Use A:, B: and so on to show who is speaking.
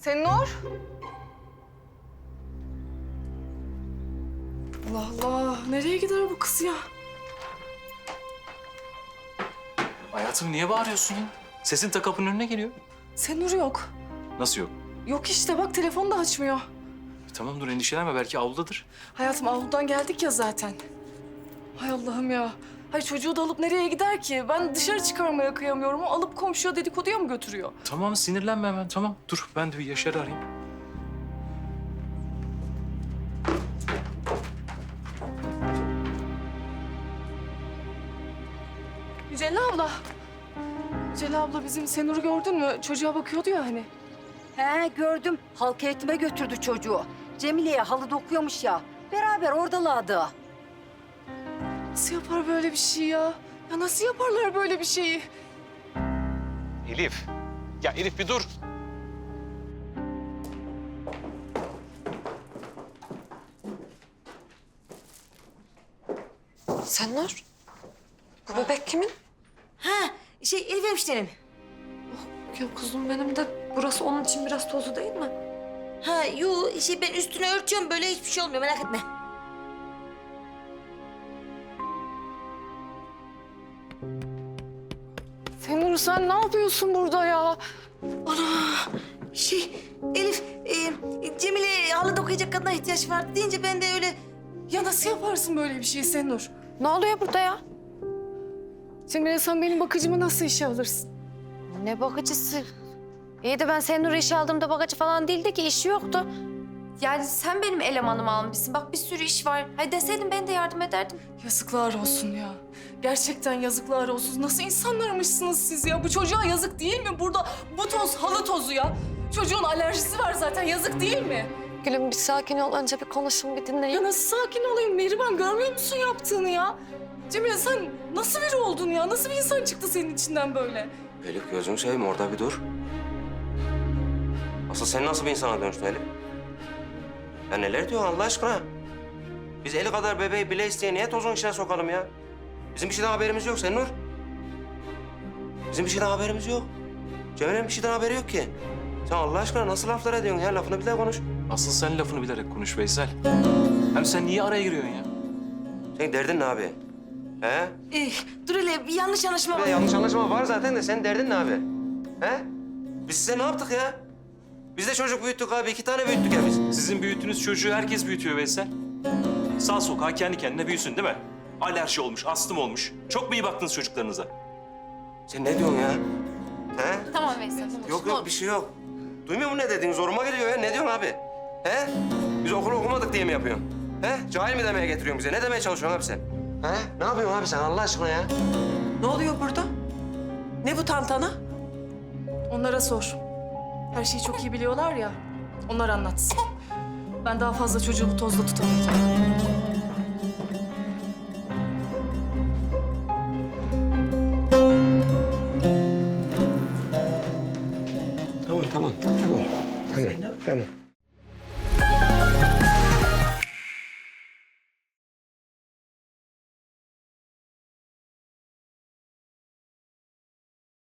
A: Senur? Allah Allah, nereye gider bu kız ya?
B: Hayatım niye bağırıyorsun ya? Sesin ta kapının önüne geliyor.
A: Senur yok.
B: Nasıl yok?
A: Yok işte bak telefonu da açmıyor.
B: Tamam dur endişelenme belki avludadır.
A: Hayatım avludan geldik ya zaten. Hay Allah'ım ya. Hay çocuğu da alıp nereye gider ki? Ben dışarı çıkarmaya kıyamıyorum. O alıp komşuya dedikoduya mı götürüyor?
B: Tamam sinirlenme hemen tamam. Dur ben de bir Yaşar'ı arayayım.
A: Yücel abla. Yücel abla bizim Senur'u gördün mü? Çocuğa bakıyordu ya hani.
C: He gördüm. Halk eğitime götürdü çocuğu. Cemile'ye halı dokuyormuş ya. Beraber oradalardı.
A: Nasıl yapar böyle bir şey ya? Ya nasıl yaparlar böyle bir şeyi?
B: Elif. Ya Elif bir dur.
D: Senur, bu bebek kimin?
E: Ha, Elif hemşirenim.
D: Ya kuzum benim de burası onun için biraz tozlu değil mi?
E: Ha, ben üstünü örtüyorum böyle hiçbir şey olmuyor merak etme.
A: Senur sen ne yapıyorsun burada ya?
E: Ana, Elif, Cemile halı dokuyacak kadına ihtiyaç vardı deyince ben de öyle...
A: Ya nasıl yaparsın böyle bir şey Senur?
D: Ne oluyor burada ya?
A: Cemile sen benim bakıcımı nasıl işe alırsın?
D: Ne bakıcısı? İyi de ben Senur'u işe aldığımda bakıcı falan değildi ki, işi yoktu. Yani sen benim elemanımı almışsın. Bak bir sürü iş var. Hayır deseydin ben de yardım ederdim.
A: Yazıklar olsun ya. Gerçekten yazıklar olsun. Nasıl insanlarmışsınız siz ya? Bu çocuğa yazık değil mi? Burada bu toz halı tozu ya. Çocuğun alerjisi var zaten. Yazık değil mi?
D: Gülüm bir sakin ol. Önce bir konuşun, bir dinleyin.
A: Ya nasıl sakin olayım Mihriban? Görmüyor musun yaptığını ya? Cemile sen nasıl biri oldun ya? Nasıl bir insan çıktı senin içinden böyle?
F: Elif gözünü seveyim orada bir dur. Asıl sen nasıl bir insana dönüştün Elif? Ya neler diyorsun Allah aşkına? Biz eli kadar bebeği bile isteye niye tozun içine sokalım ya? Bizim bir şeyden haberimiz yok Senur. Bizim bir şeyden haberimiz yok. Cemile'nin bir şeyden haberi yok ki. Sen Allah aşkına nasıl laflar ediyorsun ya? Lafını bir daha konuş.
B: Asıl sen lafını bilerek konuş Veysel. Hem sen niye araya giriyorsun ya?
F: Senin derdin ne abi? He?
E: Dur hele bir yanlış anlaşma
F: Bir
E: var.
F: de yanlış anlaşma var zaten de senin derdin ne abi? He? Biz size ne yaptık ya? Biz de çocuk büyüttük abi. 2 tane büyüttük ya biz.
B: Sizin büyüttüğünüz çocuğu herkes büyütüyor Veysel. Sağ sokağa kendi kendine büyüsün değil mi? Alerji olmuş, astım olmuş. Çok mu iyi baktınız çocuklarınıza?
F: Sen ne diyorsun ya? He?
D: Tamam Veysel.
F: Yok bir şey yok. Duymuyor musun ne dediğin? Zoruma geliyor ya. Ne diyorsun abi? He? Biz okulu okumadık diye mi yapıyorsun? He? Cahil mi demeye getiriyorsun bize? Ne demeye çalışıyorsun abi sen? He? Ne yapıyorsun abi sen Allah aşkına ya?
G: Ne oluyor burada? Ne bu tantana?
A: Onlara sor. Her şeyi çok iyi biliyorlar ya. Onlar anlatsın. Ben daha fazla çocuğu bu tozda tutamayacağım.
F: Tamam. Tamam. Tamam.